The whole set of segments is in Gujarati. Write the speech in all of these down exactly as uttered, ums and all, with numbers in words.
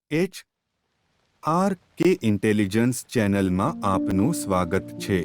એચ આર કે ઇન્ટેલિજન્સ ચેનલમાં આપનું સ્વાગત છે।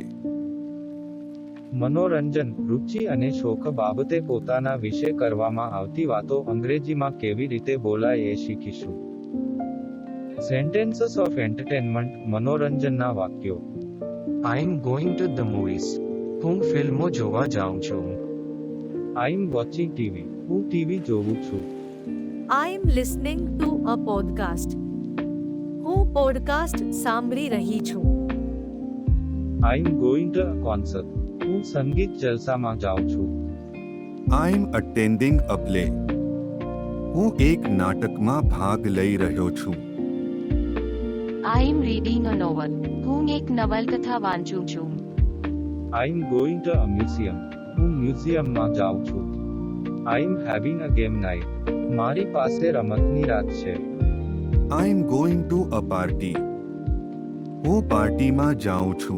મનોરંજન, રુચિ અને શોખ બાબતે પોતાના વિશે કરવામાં આવતી વાતો અંગ્રેજીમાં કેવી રીતે બોલાય એ શીખીશું। સેન્ટેન્સીસ ઓફ એન્ટરટેનમેન્ટ, મનોરંજનના વાક્યો। I am going to the movies. હું ફિલ્મો જોવા જાઉં છું। I am watching TV. હું ટીવી જોઉં છું। I am listening to a podcast. હું પોડકાસ્ટ સાંભળી રહી છું। I am going to a concert. હું સંગીત જલસામાં જાઉં છું। I am attending a play. હું એક નાટકમાં ભાગ લઈ રહ્યો છું। I am reading a novel. હું એક નવલકથા વાંચું છું। I am going to a museum. હું મ્યુઝિયમમાં જાઉં છું। I am having a game night. મારી પાસે રમતની રાત છે। I am going to a party. હું પાર્ટીમાં જાઉં છું।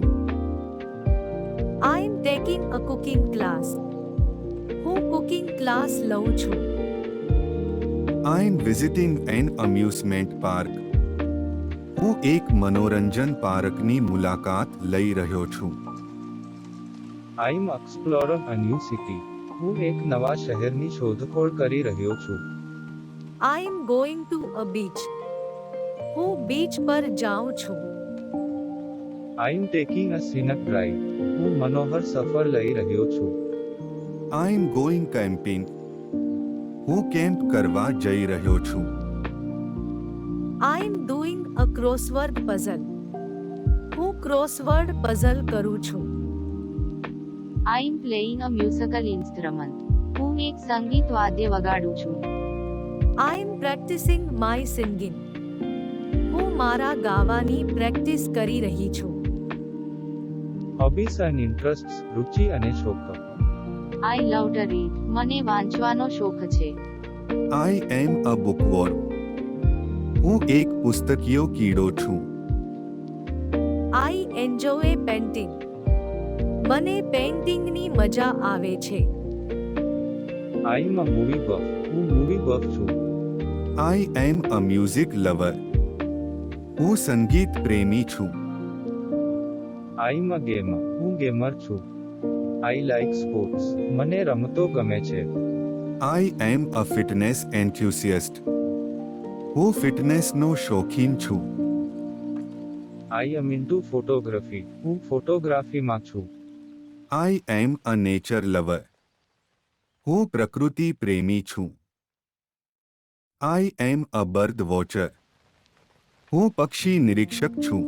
I am taking a cooking class. હું કુકિંગ ક્લાસ લઉં છું। I am visiting an amusement park. હું એક મનોરંજન પાર્કની મુલાકાત લઈ રહ્યો છું। I am exploring a new city. હું એક નવા શહેરની શોધખોળ કરી રહ્યો છું। I am going to a beach. હું બીચ પર જાઉં છું। I am taking a scenic drive. હું મનોહર સફર લઈ રહ્યો છું। I am going camping. હું કેમ્પ કરવા જઈ રહ્યો છું। I am doing a crossword puzzle. હું ક્રોસવર્ડ પઝલ કરું છું। I am playing a musical instrument. હું એક સંગીત વાદ્ય વગાડું છું। I am practicing my singing. હું મારા ગાવાની પ્રેક્ટિસ કરી રહી છું। Hobbies and interests, રુચિ અને શોખ। I love to read. મને વાંચવાનો શોખ છે। I am a bookworm. હું એક પુસ્તકીયો કીડો છું। I enjoy painting. મને પેઇન્ટિંગની મજા આવે છે। I am a movie buff. હું મૂવી બફ છું। I am a music lover. હું સંગીત પ્રેમી છું। I am a gamer. હું ગેમર છું। I like sports. મને રમતો ગમે છે। I am a fitness enthusiast. હું ફિટનેસનો શોખીન છું। I am into photography. હું ફોટોગ્રાફીમાં છું। I am a nature lover. હું પ્રકૃતિ પ્રેમી છું। I am a bird watcher. હું પક્ષી નિરીક્ષક છું।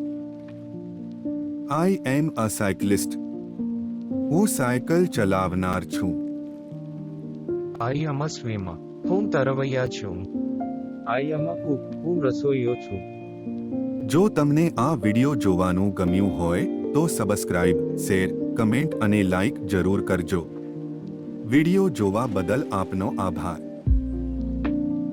I am a cyclist. હું સાયકલ ચલાવનાર છું। I am a swimmer. હું તરવૈયા છું। I am a cook. હું રસોઈયો છું। જો તમને આ વિડિયો જોવાનું ગમ્યું હોય તો સબસ્ક્રાઇબ, શેર, કમેન્ટ અને લાઇક જરૂર કરજો। વિડિયો જોવા બદલ આપનો આભાર।